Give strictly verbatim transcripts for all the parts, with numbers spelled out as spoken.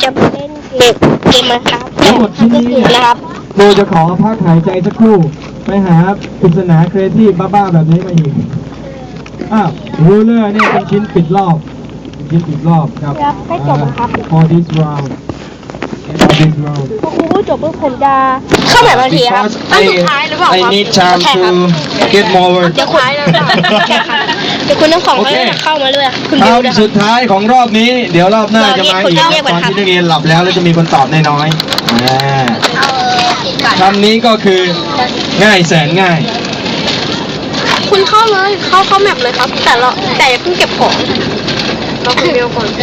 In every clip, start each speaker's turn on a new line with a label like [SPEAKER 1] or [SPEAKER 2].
[SPEAKER 1] จะไปเล่นเกมเกมนะครับ
[SPEAKER 2] ทั้งหมดที่นี่
[SPEAKER 1] นะครับ
[SPEAKER 2] ครูจะขอพักหายใจสักครู่ไปหาปริศนาครีเอทีฟบ้าๆแบบนี้มาอีกอ้าวรูเลอร์เนี่ยเป็นชิ้นปิดรอบเป็นชิ้นปิดรอบครับ
[SPEAKER 1] ครับให้จบนะครับ
[SPEAKER 2] for this round for this round
[SPEAKER 1] พอครูพูดจบปุ๊บผมจะเข้าแบบบางทีครับ
[SPEAKER 3] I, I need time to get more work
[SPEAKER 1] เดี๋ยวคุณเดี๋ยวคุณทั้งสอง
[SPEAKER 3] โอ
[SPEAKER 1] ก็
[SPEAKER 3] เค
[SPEAKER 1] จะเข้ามาเลยคุณดิวนะ
[SPEAKER 3] คำสุดท้ายของรอบนี้ เดี๋ยวรอบหน้าจะมาอีก
[SPEAKER 1] เราเรียก
[SPEAKER 3] ต
[SPEAKER 1] คน
[SPEAKER 3] อน
[SPEAKER 1] เรียก
[SPEAKER 3] ที่นักเรียนหลับแล้วแล้วจะมีคนตอบน้อยๆอ่าคำนี้ก็คือง่ายแสนง่าย
[SPEAKER 1] คุณเข้าเลยเข้าเข้าแมปเลยครับ แต่เราแต่อย่าเพิ่งเก็บของเราคุณเดียวก่อน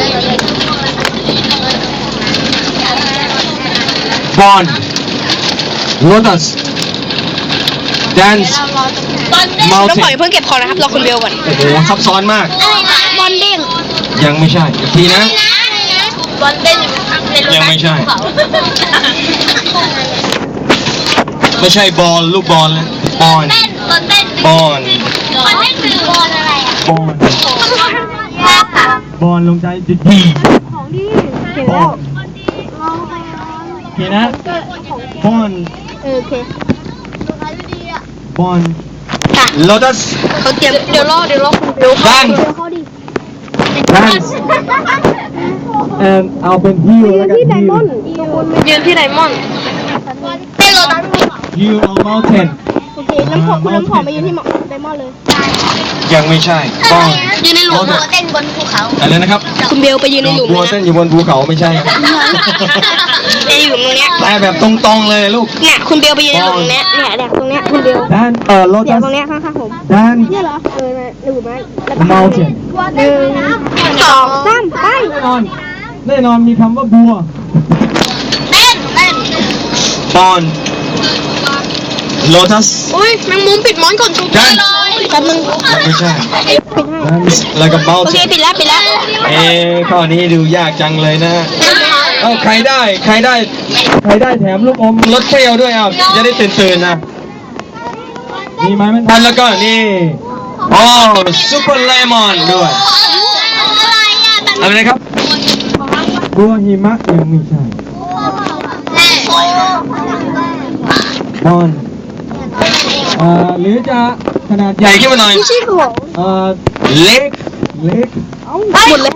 [SPEAKER 3] บอล lotus dance
[SPEAKER 1] เราป
[SPEAKER 3] mountain
[SPEAKER 1] ล่อยเพิ่งเก็บของนะครับเราคุณเบลก่อน
[SPEAKER 3] โอ้โหซับซ้อนมาก
[SPEAKER 1] บอลเด้ง
[SPEAKER 3] ยังไม่ใช่อีกทีนะ
[SPEAKER 1] บอลเด้งในรถ
[SPEAKER 3] ยังไม่ใช่ ไม่ใช่บอลลูกบอลแล้วบอล
[SPEAKER 1] เต้นบอลเต้น
[SPEAKER 3] บอล
[SPEAKER 1] บอลเต้นคือบอลอะไรอ่ะ
[SPEAKER 2] บอล
[SPEAKER 1] ยากค่ะ
[SPEAKER 2] บอลลงใจจะดี
[SPEAKER 1] ของดีเห็นแล้ว
[SPEAKER 2] โอเคนะบอล
[SPEAKER 1] เออโอเค
[SPEAKER 2] บอล
[SPEAKER 1] ค่ะ
[SPEAKER 3] lotus
[SPEAKER 1] เขาเตรียมเดี๋ยวรอเดี๋ยวรอคุณเบล
[SPEAKER 3] dance
[SPEAKER 1] เขาดิ
[SPEAKER 2] dance แอนเอาเป็นฮิวแล้วกันฮิว
[SPEAKER 1] ยืนที่ไดมอนด์เต้นโรตัส
[SPEAKER 2] ฮิวเอา mountain
[SPEAKER 1] โอเคน้ำผอมคุณน้ำผอมไปยืนที่ไดมอนด์เลย
[SPEAKER 3] ยังไม่ใช่บอล
[SPEAKER 1] ยืนในหลุมเต้นบนภูเขา
[SPEAKER 3] อะไรนะครับ
[SPEAKER 1] คุณเบลไปยืนในหลุม
[SPEAKER 3] บัว
[SPEAKER 1] เลย
[SPEAKER 3] เต้น
[SPEAKER 1] นะ
[SPEAKER 3] อยู่บนภูเขาไม่ใช่
[SPEAKER 1] ในหลุมตรงเนี้ย
[SPEAKER 3] แต่แบบตรงๆเลยลูก
[SPEAKER 1] เนี่ยคุณเบลไปยืนในหลุมเนี้ยเนี่ยเนี่ยตรงเนี้ยคุณเบล
[SPEAKER 2] dance เอ่อ
[SPEAKER 1] เดี๋ยว
[SPEAKER 2] lotus
[SPEAKER 1] ตรงเนี้ยข้างๆผม
[SPEAKER 2] dance
[SPEAKER 1] เนี่ยเหรอเออหลุมไหมแล้วก็
[SPEAKER 2] mountain
[SPEAKER 1] หนึ่งสองสามไป
[SPEAKER 2] แน่นอนแน่นอนมีคำว่าบัว
[SPEAKER 1] เต้นเต้น
[SPEAKER 3] บอล lotus
[SPEAKER 1] อุ้ยแมงมุมปิดมอนก่อนจุ๊บ
[SPEAKER 3] dance
[SPEAKER 1] แป๊บนึง
[SPEAKER 3] ยังไม่ใช่
[SPEAKER 1] ปิดให้
[SPEAKER 3] dance แล้วก็
[SPEAKER 1] โอเค
[SPEAKER 3] mountain
[SPEAKER 1] ปิดแล้วปิดแล้ว
[SPEAKER 3] เอ๊ะข้อนี้ดูยากจังเลยนะ เอ้าใครได้ ใครได้
[SPEAKER 2] ใครได้แถมลูกอม
[SPEAKER 3] รถเปรี้ยวด้วยอ่ะจะได้ตื่นตื่นๆนะ
[SPEAKER 2] มีไหมมัน
[SPEAKER 3] ทันแล้วก็นี่โอ้ซุปเปอร์เลมอนด้วยอะไรนะครับ
[SPEAKER 2] บัวหิมะยังไม่ใช่บอลเอ่อหรือจะขนาด
[SPEAKER 3] ใหญ่ขึ้นมาหน่อย
[SPEAKER 1] ไม่ใช่ของ
[SPEAKER 2] เอ่อ
[SPEAKER 3] เล็ก
[SPEAKER 2] เล็ก
[SPEAKER 1] หมดเลย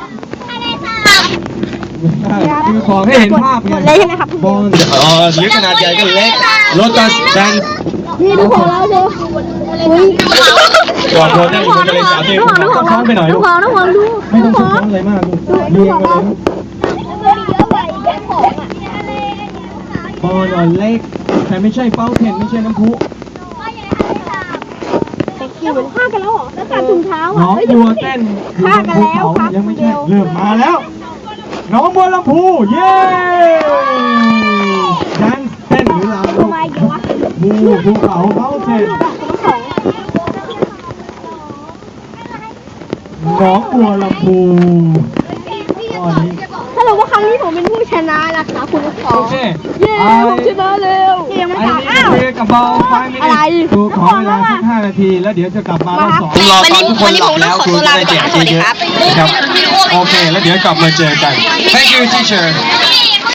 [SPEAKER 2] คือของให้เห็นภาพ
[SPEAKER 1] หมดเลยใช่ไหมครับ
[SPEAKER 2] บอล
[SPEAKER 3] เออหรือขนาดใหญ่ก็เล็กโลตัสแดน
[SPEAKER 1] นี่ดูของเราดูอุ้ย
[SPEAKER 3] ก่อนโดนได้ผมจะเลยสาธิต
[SPEAKER 2] ก็ช้อนไปหน่อย
[SPEAKER 1] น้
[SPEAKER 2] ลู
[SPEAKER 1] อง
[SPEAKER 2] ก
[SPEAKER 1] พอน้องพอดู
[SPEAKER 2] ไม่ต้องช้อนอะไรมากลูกเรียงกันเลยบอลอ่อนเล็กแต่ไม่ใช่เป้าเทนไม่ใช่น้ำพุ
[SPEAKER 1] อยู่เหมือนฆ่ากันแล้วเหรอแล้วการถุงเท้า
[SPEAKER 2] น้
[SPEAKER 1] อ่ะ
[SPEAKER 2] องบัวเต้นอยู่บนภูเขายังไม่ใช่เริ่มมาแล้ว น้องบัวลำพูเย้ดันเต้นหรือลำลูก
[SPEAKER 1] มาเยอะวะ
[SPEAKER 2] บูภูเขาเป้าเทนน้องบัวลำพูตอนนี้
[SPEAKER 1] ถ้าเราว่าครั้งนี้ผมเป็นผู้ชนะนะคะคุณผู้ช
[SPEAKER 2] โอ
[SPEAKER 1] ม
[SPEAKER 2] เค
[SPEAKER 1] เย้ผมชนะเร็วยังไม่
[SPEAKER 2] ไอ้
[SPEAKER 1] ถาม
[SPEAKER 2] นี่
[SPEAKER 1] อ้าว
[SPEAKER 2] คุยกับบอลไฟมิ
[SPEAKER 1] อะไร
[SPEAKER 2] นิดูขอเวลาสักห้านาทีแล้วเดี๋ยวจะกลับมารอบสอง
[SPEAKER 3] รอตอนทุกคนหลับแล้วครูจะได้แจกเยอะๆนะครับโอเคแล้วเดี๋ยวกลับมาเจอกัน Thank you teacher